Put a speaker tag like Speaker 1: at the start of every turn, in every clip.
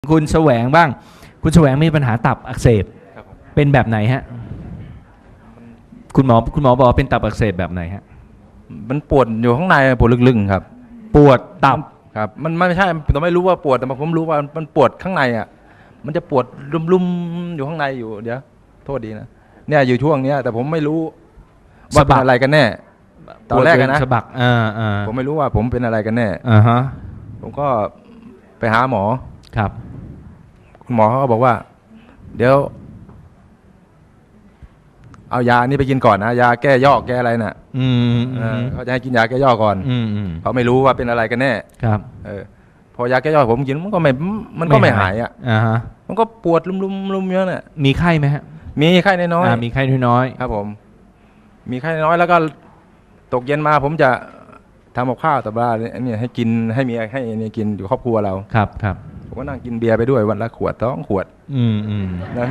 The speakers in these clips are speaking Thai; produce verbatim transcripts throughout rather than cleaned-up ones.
Speaker 1: คุณแสวงบ้างคุณแสวงมีปัญหาตับอักเสบเป็นแบบไหนฮะคุณหมอคุณหมอบอกว่าเป็นตับอักเสบแบบไหนฮะ
Speaker 2: มันปวดอยู่ข้างในปวดลึกๆครับ
Speaker 1: ปวดตับ
Speaker 2: ครับมันไม่ใช่ผมไม่รู้ว่าปวดแต่ผมรู้ว่ามันปวดข้างในอ่ะมันจะปวดลุ่มๆอยู่ข้างในอยู่เดี๋ยวโทษดีนะเนี่ยอยู่ช่วงเนี้ยแต่ผมไม่รู้ว่าเป็นอะไรกันแน่ตอนแรกนะ
Speaker 1: สะบักอ่าอ่า
Speaker 2: ผมไม่รู้ว่าผมเป็นอะไรกันแน่
Speaker 1: อ่าฮะ
Speaker 2: ผมก็ไปหาหมอ
Speaker 1: ครับ
Speaker 2: คุณหมอเขาก็บอกว่าเดี๋ยวเอายานี่ไปกินก่อนนะยาแก้ยอกแก้อะไรน่ะ
Speaker 1: อืม
Speaker 2: เขาจะให้กินยาแก้ยอกก่อน
Speaker 1: อืม
Speaker 2: เขาไม่รู้ว่าเป็นอะไรกันแน่
Speaker 1: ครับ
Speaker 2: เออพอยาแก้ยอกผมกินมันก็ไม่มันก็ไม่หายอ่ะ
Speaker 1: อ่าฮะ
Speaker 2: มันก็ปวดลุ่มๆลุ่มเยอะเนี่ย
Speaker 1: มีไข้ไหมฮะ
Speaker 2: มีไข้น้อย
Speaker 1: ๆมีไข้น้อย
Speaker 2: ๆครับผมมีไข้น้อยแล้วก็ตกเย็นมาผมจะทำกับข้าวแต่ว่าเนี่ยให้กินให้มีให้เนี่ยกินอยู่ครอบครัวเรา
Speaker 1: ครับครับ
Speaker 2: ผมก็นั่งกินเบียร์ไปด้วยวันละขวดสองขวด
Speaker 1: อืมอืม
Speaker 2: นั่น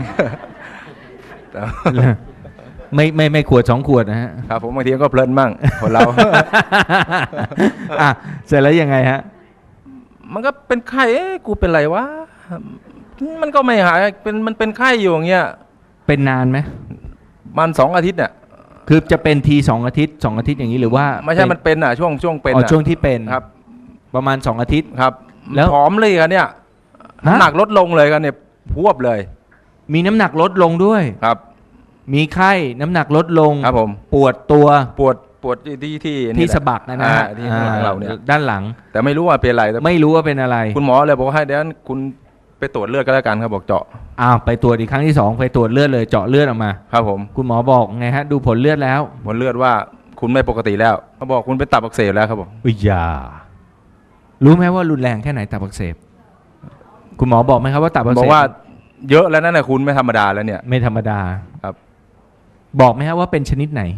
Speaker 1: ไม่ไม่ไม่ขวดสองขวดนะฮะ
Speaker 2: ครับผมบางทีก็เพลินมั่งคนเรา
Speaker 1: อ่ะเสร็จแล้วยังไงฮะ
Speaker 2: มันก็เป็นไข้เอ๊ะกูเป็นไรวะมันก็ไม่หายเป็นมันเป็นไข้อยู่อย่างเงี้ย
Speaker 1: เป็นนานไหม
Speaker 2: มันสองอาทิตย์เนี่ย
Speaker 1: คือจะเป็นทีสองอาทิตย์สองอาทิตย์อย่างนี้หรือว่า
Speaker 2: ไม่ใช่มันเป็นอ่ะช่วงช่วงเป็น
Speaker 1: อ๋อช่วงที่เป็น
Speaker 2: ครับ
Speaker 1: ประมาณสองอาทิตย์
Speaker 2: ครับแล้วผอมเลยกันเนี่ยน้ำหนักลดลงเลยกันเนี่ยพวบเลย
Speaker 1: มีน้ำหนักลดลงด้วย
Speaker 2: ครับ
Speaker 1: มีไข้น้ำหนักลดลง
Speaker 2: ครับผม
Speaker 1: ปวดตัว
Speaker 2: ปวดปวดที่ที่
Speaker 1: ที่สะบักนะนะ
Speaker 2: ที่ข้างหลังเราเนี่ย
Speaker 1: ด้านหลัง
Speaker 2: แต่ไม่รู้ว่าเป็นอะไร
Speaker 1: ไม่รู้ว่าเป็นอะไร
Speaker 2: คุณหมอเลยบอกว่าให้เดี๋ยวคุณไปตรวจเลือดก็แล้วกันครับบอกเจาะ
Speaker 1: อ้าวไปตรวจอีกครั้งที่สองไปตรวจเลือดเลยเจาะเลือดออกมา
Speaker 2: ครับผม
Speaker 1: คุณหมอบอกไงฮะดูผลเลือดแล้ว
Speaker 2: ผลเลือดว่าคุณไม่ปกติแล้วเขาบอกคุณเป็นตับอักเสบแล้วครับผม
Speaker 1: อุ้ยยารู้ไหมว่ารุนแรงแค่ไหนตับอักเสบคุณหมอบอกไหมครับว่าตับอักเสบ
Speaker 2: บอกว่าเยอะแล้วนั่นแหละคุณไม่ธรรมดาแล้วเนี่ย
Speaker 1: ไม่ธรรมดา
Speaker 2: ครับ
Speaker 1: บอกไหมครับว่าเป็นชนิดไหน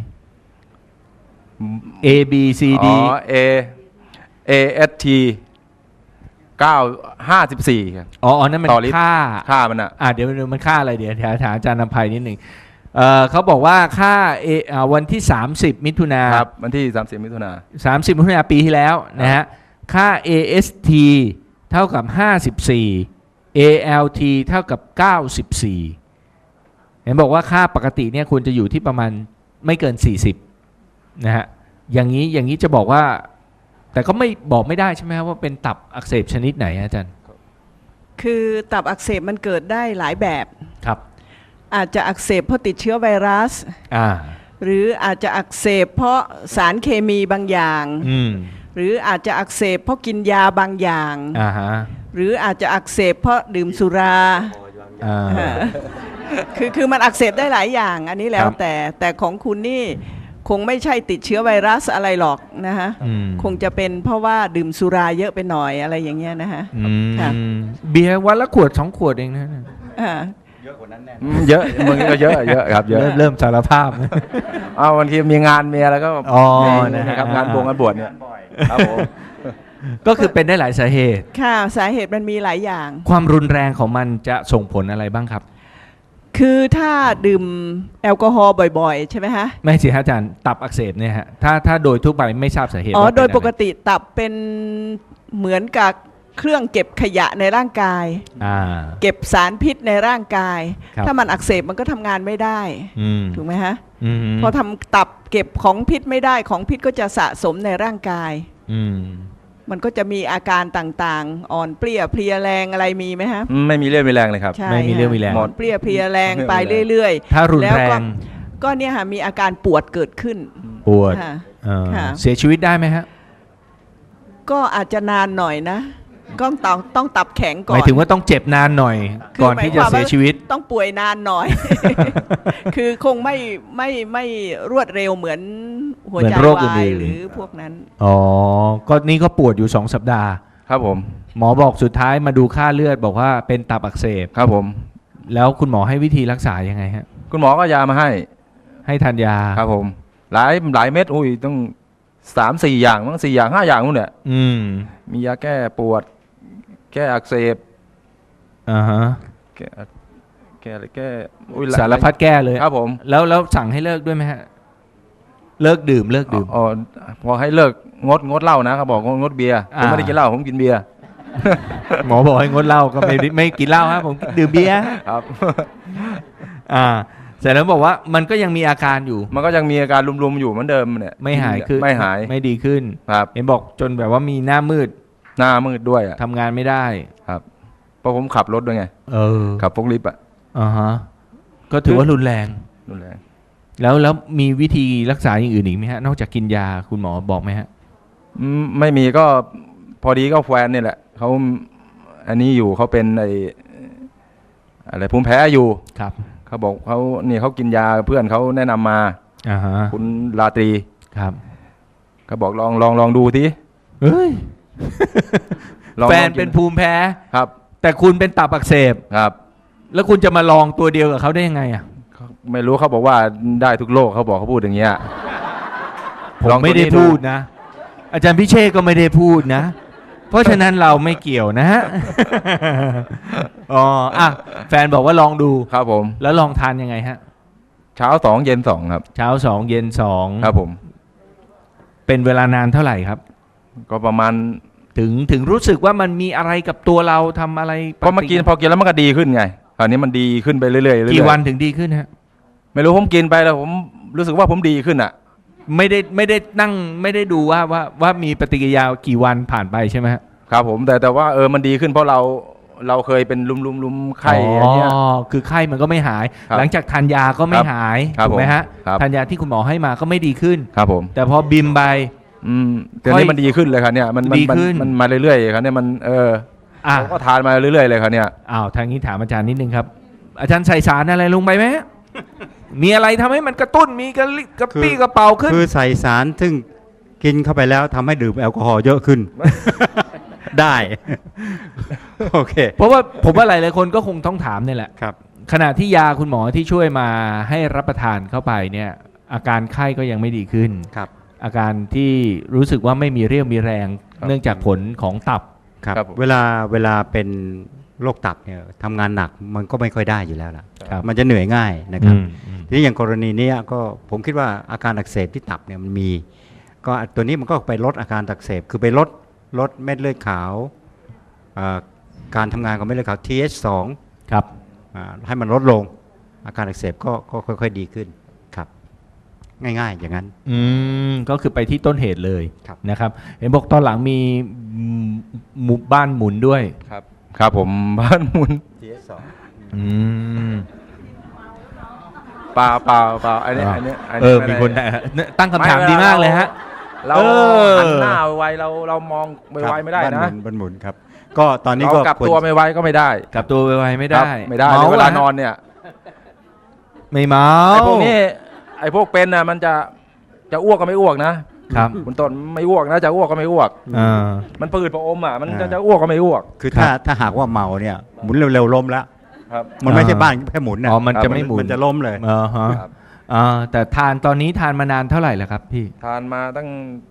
Speaker 1: A B C D
Speaker 2: อ๋อ A A S T เก้าห้าสิบสี่ครับ
Speaker 1: อ๋อนั่นมันค่า
Speaker 2: ค่ามันอ่ะ
Speaker 1: อ่าเดี๋ยวมันค่าอะไรเดี๋ยวถามอาจารย์นภัยนิดหนึ่งเอ่อเขาบอกว่าค่าเออ่าวันที่สามสิบมิถุนา
Speaker 2: ครับวันที่สามสิบมิถุนา
Speaker 1: สามสิบมิถุนาปีที่แล้วนะฮะค่า เอ เอส ที เท่ากับห้าสิบสี่ เอ แอล ที เท่ากับเก้าสิบสี่เห็นบอกว่าค่าปกติเนี่ยควรจะอยู่ที่ประมาณไม่เกินสี่สิบนะฮะอย่างนี้อย่างนี้จะบอกว่าแต่ก็ไม่บอกไม่ได้ใช่ไหมครับว่าเป็นตับอักเสบชนิดไหนอาจารย์
Speaker 3: คือตับอักเสบมันเกิดได้หลายแบบ
Speaker 1: ครับ
Speaker 3: อาจจะอักเสบเพราะติดเชื้อไวรัส
Speaker 1: อ่า
Speaker 3: หรืออาจจะอักเสบเพราะสารเคมีบางอย่าง
Speaker 1: อืม
Speaker 3: หรืออาจจะอักเสบเพราะกินยาบางอย่าง
Speaker 1: อ่าฮะ
Speaker 3: หรืออาจจะอักเสบเพราะดื่มสุรา
Speaker 1: อ่า
Speaker 3: คือคือมันอักเสบได้หลายอย่างอันนี้แล้วแต่แต่ของคุณนี่คงไม่ใช่ติดเชื้อไวรัสอะไรหรอกนะฮะคงจะเป็นเพราะว่าดื่มสุราเยอะไปหน่อยอะไรอย่างเงี้ยนะฮะ
Speaker 1: เบียร์วันละขวดสองขวดเองนะ
Speaker 2: เยอะกว่านั้นแน่เยอะบางทีก็เยอะเยอะครับเยอะ
Speaker 1: เริ่มสารภาพ
Speaker 2: อ้าวบางทีมีงานมีอะไรก็
Speaker 1: อ๋อ
Speaker 2: นะครับงานบวงงานบวชเนี่ยครับผม
Speaker 1: ก็คือเป็นได้หลายสาเหตุ
Speaker 3: ค่ะสาเหตุมันมีหลายอย่าง
Speaker 1: ความรุนแรงของมันจะส่งผลอะไรบ้างครับ
Speaker 3: คือถ้าดื่มแอลกอฮอล์บ่อยๆใช่ไหมฮะ
Speaker 1: ไม่สิอาจารย์ตับอักเสบเนี่ยฮะถ้าถ้าโดยทั่วไปไม่ทราบสาเหตุ
Speaker 3: อ๋อโดยปกติตับเป็นเหมือนกับเครื่องเก็บขยะในร่างกายเก็บสารพิษในร่างกายถ้ามันอักเสบมันก็ทำงานไม่ได้ถูกไหมฮะพอทำตับเก็บของพิษไม่ได้ของพิษก็จะสะสมในร่างกายมันก็จะมีอาการต่างๆอ่อนเปรี้ยเพลียแรงอะไรมีไหมฮะ
Speaker 2: ไม่มีเรี่ยวมีแรงเลยครับ
Speaker 1: ไม่มีเรี่ยวมีแรง
Speaker 3: อ่อนเปรี้ยเพลียแรงไปเรื่อย
Speaker 1: ๆถ้ารุนแรง
Speaker 3: ก็เนี่ยค่ะมีอาการปวดเกิดขึ้น
Speaker 1: ปวดเสียชีวิตได้ไหมฮะ
Speaker 3: ก็อาจจะนานหน่อยนะก็ต้องต้องตับแข็งก่อน
Speaker 1: หมายถึงว่าต้องเจ็บนานหน่อยก่อนที่จะเสียชีวิต
Speaker 3: ต้องป่วยนานหน่อยคือคงไม่ไม่ไม่รวดเร็วเหมือนหัวใจวายหรือพวกนั้น
Speaker 1: อ๋อก็นี่ก็ปวดอยู่สองสัปดาห์
Speaker 2: ครับผม
Speaker 1: หมอบอกสุดท้ายมาดูค่าเลือดบอกว่าเป็นตับอักเสบ
Speaker 2: ครับผม
Speaker 1: แล้วคุณหมอให้วิธีรักษายังไงฮะ
Speaker 2: คุณหมอก็ยามาให้
Speaker 1: ให้ทานยา
Speaker 2: ครับผมหลายหลายเม็ดอุ้ยต้องสามสี่อย่างมั้งสี่อย่างห้าอย่างนู่นเนี่ยมียาแก้ปวดแก้อักเสบ
Speaker 1: อ่าฮะ
Speaker 2: แก้แก้อะไรแก้
Speaker 1: สารพัดแก้เลย
Speaker 2: ครับผม
Speaker 1: แล้วแล้วสั่งให้เลิกด้วยไหมฮะเลิกดื่มเลิกดื่ม
Speaker 2: อ๋อพอให้เลิกงดงดเหล้านะเขาบอกงดเบียร์ผมไม่ได้กินเหล้าผมกินเบียร์
Speaker 1: หมอบอกให้งดเหล้าก็ไม่ไม่กินเหล้าครับผมดื่มเบียร์
Speaker 2: ครับ
Speaker 1: อ่าเสร็จแล้วบอกว่ามันก็ยังมีอาการอยู่
Speaker 2: มันก็ยังมีอาการรุมๆอยู่เหมือนเดิมเนี่ย
Speaker 1: ไม่หายขึ้น
Speaker 2: ไม่หาย
Speaker 1: ไม่ดีขึ้น
Speaker 2: ครับ
Speaker 1: เห็นบอกจนแบบว่ามีหน้ามืด
Speaker 2: หน้ามืดด้วยอ่ะ
Speaker 1: ทำงานไม่ได้
Speaker 2: ครับเพราะผมขับรถด้วยไง
Speaker 1: เออ
Speaker 2: ขับพวกลิฟต์อ่ะ
Speaker 1: อ่าฮะก็ถือว่ารุนแรง
Speaker 2: รุนแรง
Speaker 1: แล้วแล้วมีวิธีรักษาอย่างอื่นอีกไหมฮะนอกจากกินยาคุณหมอบอกไหมฮะ
Speaker 2: อืมไม่มีก็พอดีก็แฟนนี่แหละเขาอันนี้อยู่เขาเป็นไออะไรภูมิแพ้อยู่
Speaker 1: ครับ
Speaker 2: เขาบอกเขานี่เขากินยาเพื่อนเขาแนะนำมา
Speaker 1: อ่าฮะ
Speaker 2: คุณราตรี
Speaker 1: ครับ
Speaker 2: เขาบอกลองลองลองดูที
Speaker 1: เฮ้ย
Speaker 2: ลอง
Speaker 1: แฟน
Speaker 2: ลองกิ
Speaker 1: เป็นภูมิแพ้
Speaker 2: ครับ
Speaker 1: แต่คุณเป็นตับอักเสบ
Speaker 2: ครับ
Speaker 1: แล้วคุณจะมาลองตัวเดียวกับเขาได้ยังไงอ่ะ
Speaker 2: เขาไม่รู้เขาบอกว่าได้ทุกโรคเขาบอกเขาพูดอย่างเงี้ย
Speaker 1: ผม
Speaker 2: ลองตัวนี้
Speaker 1: ไม่ได้พูดนะ อาจารย์พิเชษก็ไม่ได้พูดนะ เพราะฉะนั้นเราไม่เกี่ยวนะฮะ อ๋ออ่ะแฟนบอกว่าลองดู
Speaker 2: ครับผม
Speaker 1: แล้วลองทานยังไงฮะ
Speaker 2: เช้าสองเย็นสองครับ
Speaker 1: เช้าสองเย็นสอง
Speaker 2: ครับผม
Speaker 1: เป็นเวลานานเท่าไหร่ครับ
Speaker 2: ก็ประมาณ
Speaker 1: ถึงถึงรู้สึกว่ามันมีอะไรกับตัวเราทำอะไร
Speaker 2: พอมากินพอกินแล้วมันก็ดีขึ้นไงคราวนี้มันดีขึ้นไปเรื่อยๆเรื่อยๆ
Speaker 1: กี่วันถึงดีขึ้นฮะ
Speaker 2: ไม่รู้ผมกินไปแล้วผมรู้สึกว่าผมดีขึ้นอ่ะ
Speaker 1: ไม่ได้ไม่ได้นั่งไม่ได้ดูว่าว่าว่ามีปฏิกิริยากี่วันผ่านไปใช่ไหมฮะ
Speaker 2: ครับผมแต่แต่ว่าเออมันดีขึ้นเพราะเราเราเคยเป็นลุมลุมลุมไข้อย่างเงี้ย
Speaker 1: อ๋อคือไข้มันก็ไม่หาย
Speaker 2: ครับ
Speaker 1: หลังจากทานยาก็ไม่
Speaker 2: ครับ
Speaker 1: หาย
Speaker 2: ครับ
Speaker 1: ถูกไหมฮะ
Speaker 2: ครับ
Speaker 1: ทานยาที่คุณหมอให้มาก็ไม่ดีขึ้น
Speaker 2: ครับผม
Speaker 1: แต่พอบิมไป
Speaker 2: อืมแต่นี้มันดีขึ้นเลยครับเนี่ยมันมัน
Speaker 1: ดี
Speaker 2: มัน
Speaker 1: ขึ้น
Speaker 2: มันมาเรื่อยๆครับเนี่ยมันเออ
Speaker 1: อ่ะ
Speaker 2: ผมก็ทานมาเรื่อยๆเลยครับเนี่ย
Speaker 1: อ้าวทางนี้ถามอาจารย์นิดนึงครับ อาจารย์ใส่สารอะไรลงไปไหมฮะมีอะไรทำให้มันกระตุ้นมีกระลิกระปี้กระเป๋าขึ้น
Speaker 4: คือใส่สารซึ่งกินเข้าไปแล้วทำให้ดื่มแอลกอฮอล์เยอะขึ้น ได้ โอเค
Speaker 1: เพราะว่าผมว่าหลายๆคนก็คงต้องถามนี่แหละ
Speaker 4: ครับ
Speaker 1: ขณะที่ยาคุณหมอที่ช่วยมาให้รับประทานเข้าไปเนี่ย อาการไข้ก็ยังไม่ดีขึ้น
Speaker 4: ครับ
Speaker 1: อาการที่รู้สึกว่าไม่มีเรี่ยวมีแรง
Speaker 2: ครับ
Speaker 1: เนื่องจากผลของตับ
Speaker 4: ครับ
Speaker 2: ครับผม
Speaker 4: เวลาเวลาเป็นโรคตับเนี่ยทำงานหนักมันก็ไม่ค่อยได้อยู่แล้วล่ะ
Speaker 1: ครับ
Speaker 4: มันจะเหนื่อยง่ายนะครับ
Speaker 1: อืมอืม
Speaker 4: ทีนี้อย่างกรณีเนี้ยก็ผมคิดว่าอาการอักเสบที่ตับเนี่ยมันมี ก็ตัวนี้มันก็ไปลดอาการอักเสบคือไปลดลดเม็ดเลือดขาวเอ่อการทำงานของเม็ดเลือดขาว ที เอช สอง
Speaker 1: ครับ
Speaker 4: อ่าให้มันลดลง อาการอักเสบก็ก็ค่อยๆดีขึ้นครับ ง่ายๆอย่างนั้น
Speaker 1: อืมก็คือไปที่ต้นเหตุเลย
Speaker 4: ครับ
Speaker 1: นะครับ เห็นบอกตอนหลังมีหมู่บ้านหมุนด้วย
Speaker 2: ครับครับผม บ้านหมุน
Speaker 4: ที เอช สอง
Speaker 1: อืม
Speaker 2: เปล่าเปล่าเปล่าอันนี้อันนี้น
Speaker 1: เอ
Speaker 2: นี้
Speaker 1: อ
Speaker 2: ไได้
Speaker 1: มีคนตั้งคำถามดีมากเลยฮะ
Speaker 2: เรา
Speaker 1: เออ
Speaker 2: หันหน้าไวเราเรามองไวๆไม่ได้
Speaker 4: บ้านห
Speaker 2: นะ
Speaker 4: มุนบ้านหมุนครับ ก็ตอนนี้
Speaker 2: เรา
Speaker 4: ก็
Speaker 2: กลับ
Speaker 4: ควร
Speaker 2: ตัวไม่ไวก็ไม่ได้
Speaker 1: กลับตัวไวๆไม่
Speaker 2: ค
Speaker 1: ได้
Speaker 2: รับไม่ได้
Speaker 1: เมา
Speaker 2: เวลา
Speaker 1: เหร
Speaker 2: น
Speaker 1: อ
Speaker 2: อนเนี่ย
Speaker 1: ไม่เมา
Speaker 2: ไอ้พวกนี้ไอ้พวกเป็นน่ะมันจะจะอ้วกก็ไม่อ้วกนะครับ คุณต้นไม่อ้วกนะจะอ้วกก็ไม่อ้วก
Speaker 1: อ่า
Speaker 2: มันปืดพระอมอ่ะมันจะจะอ้วกก็ไม่อ้วก
Speaker 4: คือถ้าถ้าหากว่าเมาเนี่ยหมุนเร็วๆล้มแล้ว
Speaker 2: ครับ
Speaker 4: มันไม่ใช่
Speaker 1: อ่า
Speaker 4: บ้านแค่หมุนนะ
Speaker 1: อ๋อมันจะ
Speaker 2: ครับ
Speaker 1: ไม่หมุน
Speaker 4: มันจะล้มเลย
Speaker 1: อ่าฮะ
Speaker 2: ครับ
Speaker 1: อ่าแต่ทานตอนนี้ทานมานานเท่าไหร่แล้วครับพี่
Speaker 2: ทานมาตั้ง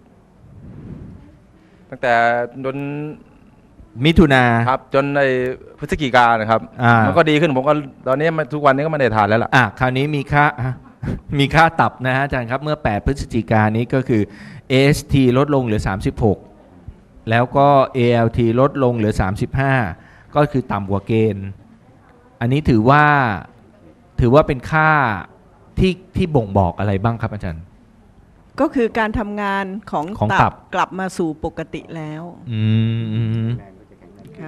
Speaker 2: ตั้งแต่จน
Speaker 1: มิถุนา
Speaker 2: ครับ จนในพฤศจิกานะครับ
Speaker 1: อ่ามั
Speaker 2: มันก็ดีขึ้นผมก็ตอนนี้มันทุกวันนี้ก็ไม่ได้ทานแล้วล่ะ
Speaker 1: อ่ะคราวนี้มีค่า มีค่าตับนะฮะอาจารย์ครับ เมื่อ แปด พฤศจิกายนนี้ก็คือ เอ เอส ที ลดลงเหลือ สามสิบหก แล้วก็ เอ แอล ที ลดลงเหลือ สามสิบห้า ก็คือต่ำกว่าเกณฑ์ อันนี้ถือว่าถือว่าเป็นค่าที่ที่บ่งบอกอะไรบ้างครับอาจารย์
Speaker 3: ก็คือการทำงานของ
Speaker 1: ของตั
Speaker 3: ตั
Speaker 1: บ
Speaker 3: บกลับมาสู่ปกติแล้ว
Speaker 1: อืมอืม
Speaker 3: ค่ะ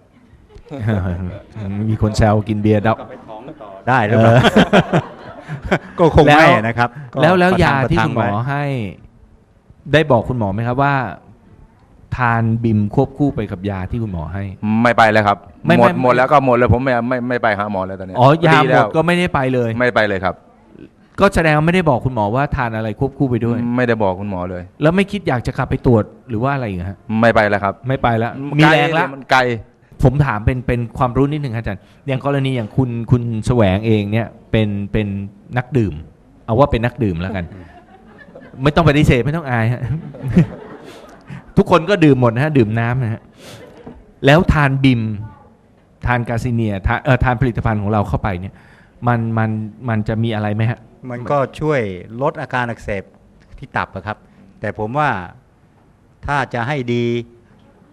Speaker 1: มีคนแซวกินเบียร์ดับ
Speaker 4: ได้หรือเปล่า ก็คง
Speaker 1: แล้ว
Speaker 4: ไม่นะครับก็
Speaker 1: แล้วแล้ว
Speaker 4: ประทั
Speaker 1: ยาง ที่
Speaker 4: ประทั
Speaker 1: คุณหมอ
Speaker 4: ไว้
Speaker 1: ให้ ได้บอกคุณหมอไหมครับว่า ทานบิมควบคู่ไปกับยาที่คุณหมอให้
Speaker 2: ไม่ไปเลยครับ
Speaker 1: ไม่
Speaker 2: หมด
Speaker 1: ไม่
Speaker 2: หมดแล้วก็หมดเลยผมไม่ไม่ไม่ไปหาหมอเลยตอนนี้
Speaker 1: อ๋อยาหม
Speaker 2: แล้
Speaker 1: ด
Speaker 2: ว
Speaker 1: ก็ไม่ได้ไปเลย
Speaker 2: ไม่ไปเลยครับ
Speaker 1: ก็แสดงว่าไม่ได้บอกคุณหมอว่าทานอะไรควบคู่ไปด้วย
Speaker 2: ไม่ได้บอกคุณหมอเลย
Speaker 1: แล้วไม่คิดอยากจะกลับไปตรวจหรือว่าอะไรอีกฮะ
Speaker 2: ไม่ไปแล้วครับ
Speaker 1: ไม่ไปแล้วมี
Speaker 2: ไกล
Speaker 1: แรงแล้ว
Speaker 2: มันไกล
Speaker 1: ผมถามเป็นเป็นความรู้นิดหนึ่งครับอาจารย์อย่างกรณีอย่างคุณคุณแสวงเองเนี่ยเป็นเป็นนักดื่ม เอาว่าเป็นนักดื่มแล้วกัน ไม่ต้องปฏิเสธไม่ต้องอายฮะ ทุกคนก็ดื่มหมดนะฮะดื่มน้ำนะฮะแล้วทานบิม ทานกาซิเนียทานเอ่อทานผลิตภัณฑ์ของเราเข้าไปเนี่ย มันมันมันจะมีอะไรไหมฮะ
Speaker 4: มันก็ช่วยลดอาการอักเสบที่ตับอะครับ แต่ผมว่าถ้าจะให้ดีใ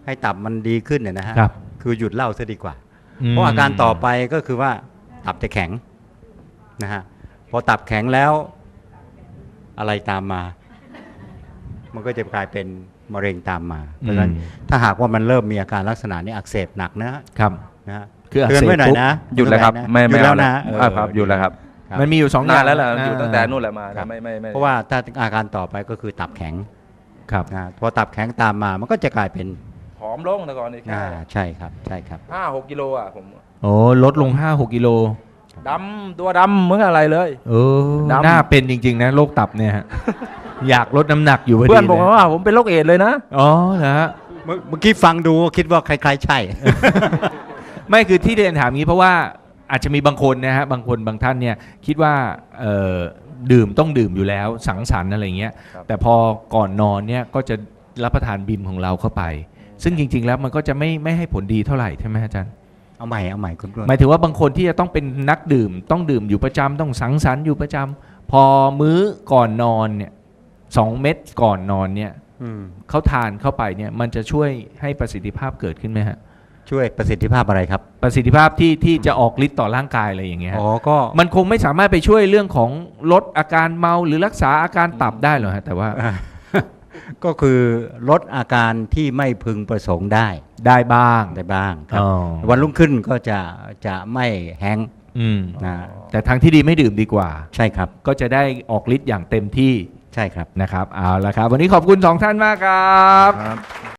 Speaker 4: ให้ตับมันดีขึ้นเนี่ยนะฮะ
Speaker 1: ครับ
Speaker 4: คือหยุดเหล้าซะดีกว่า
Speaker 1: ม
Speaker 4: เพราะอาการต่อไปก็คือว่าตับจะแข็งนะฮะพอตับแข็งแล้วอะไรตามมา มันก็จะกลายเป็นมะเร็งตามมา เพราะฉะนั้นถ้าหากว่ามันเริ่มมีอาการลักษณะนี้อักเสบหนักนะครับ นะฮะ
Speaker 1: คืออัก
Speaker 4: เตือน
Speaker 1: เสบ
Speaker 4: ไว้หน่อยนะ
Speaker 2: หยุดแล้วครับ ไม่
Speaker 4: หยุ
Speaker 2: ไม่
Speaker 4: ดแล้
Speaker 2: เอา
Speaker 4: ว
Speaker 2: แล้
Speaker 4: นะ
Speaker 2: ว
Speaker 4: เออ
Speaker 2: อ่าครับหยุดแล้วครับ
Speaker 4: ครับ
Speaker 1: มันมีอยู่สองอน
Speaker 2: าน
Speaker 1: ย่าง
Speaker 2: แล้วแหละ
Speaker 1: า
Speaker 2: อยู่ตั้งแต่นู่นแหละมา
Speaker 4: ครับ
Speaker 2: ไม่ไม่ไม่
Speaker 4: เพราะว่าถ้าอาการต่อไปก็คือตับแข็ง
Speaker 1: ครับ
Speaker 4: นะพอตับแข็งตามมามันก็จะกลายเป็น
Speaker 2: ผอมลงแต่ก่อนนี่แค่
Speaker 4: อ่าใช่ครับใช่ครับ
Speaker 2: ห้าหกกิโลอ่ะผม
Speaker 1: โอ้ลดลง ห้าหก กิโล
Speaker 2: ดำตัวดำเหมือนอะไรเลย
Speaker 1: เออ
Speaker 2: ดำ
Speaker 1: น่าเป็นจริง ๆ นะโรคตับเนี่ยฮะ อยากลดน้ำหนักอยู่พอดี
Speaker 2: เพื่อนบอก
Speaker 1: ลย
Speaker 2: ว่าผมเป็นโรคเอดส์เลยนะ
Speaker 1: อ๋อเหรอฮะ
Speaker 4: เมื่อเมื่อกี้ฟังดูคิดว่าคล้ายๆใช่
Speaker 1: ไม่คือที่เรียนถามงี้เพราะว่าอาจจะมีบางคนนะฮะบางคนบางท่านเนี่ยคิดว่าเอ่อดื่มต้องดื่มอยู่แล้วสังสรรค์อะไรเงี้ย
Speaker 2: ครับ
Speaker 1: แต่พอก่อนนอนเนี่ยก็จะรับประทานบิมของเราเข้าไป ซึ่งจริง ๆ แล้วมันก็จะไม่ไม่ให้ผลดีเท่าไหร่ใช่ไหมอาจารย์
Speaker 4: เอาใหม่เอาใหม่คุณกล้วย
Speaker 1: หมายถึงว่าบางคนที่จะต้องเป็นนักดื่ม ต้องดื่มอยู่ประจำต้องสังสรรค์อยู่ประจำพอมื้อก่อนนอนเนี่ยสองเม็ดก่อนนอนเนี่ย
Speaker 4: อืม
Speaker 1: เขาทานเข้าไปเนี่ยมันจะช่วยให้ประสิทธิภาพเกิดขึ้นไหมฮะ
Speaker 4: ช่วยประสิทธิภาพอะไรครับ
Speaker 1: ประสิทธิภาพที่ที่จะออกฤทธิ์ต่อร่างกายอะไรอย่างเงี้ยฮะ
Speaker 4: อ๋อก็
Speaker 1: มันคงไม่สามารถไปช่วยเรื่องของลดอาการเมาหรือรักษาอาการตับได้หรอกฮะแต่ว่า
Speaker 4: ก็คือลดอาการที่ไม่พึงประสงค์ได้
Speaker 1: ได้บ้าง
Speaker 4: ได้บ้างครับ
Speaker 1: อ๋อ
Speaker 4: วันรุ่งขึ้นก็จะจะไม่แห้งก์
Speaker 1: อืม
Speaker 4: นะ
Speaker 1: แต่ทางที่ดีไม่ดื่มดีกว่า
Speaker 4: ใช่ครับ
Speaker 1: ก็จะได้ออกฤทธิ์อย่างเต็มที่
Speaker 4: ใช่ครับ
Speaker 1: นะครับเอาละครับ วันนี้ขอบคุณสองท่านมากครับ
Speaker 2: ครับ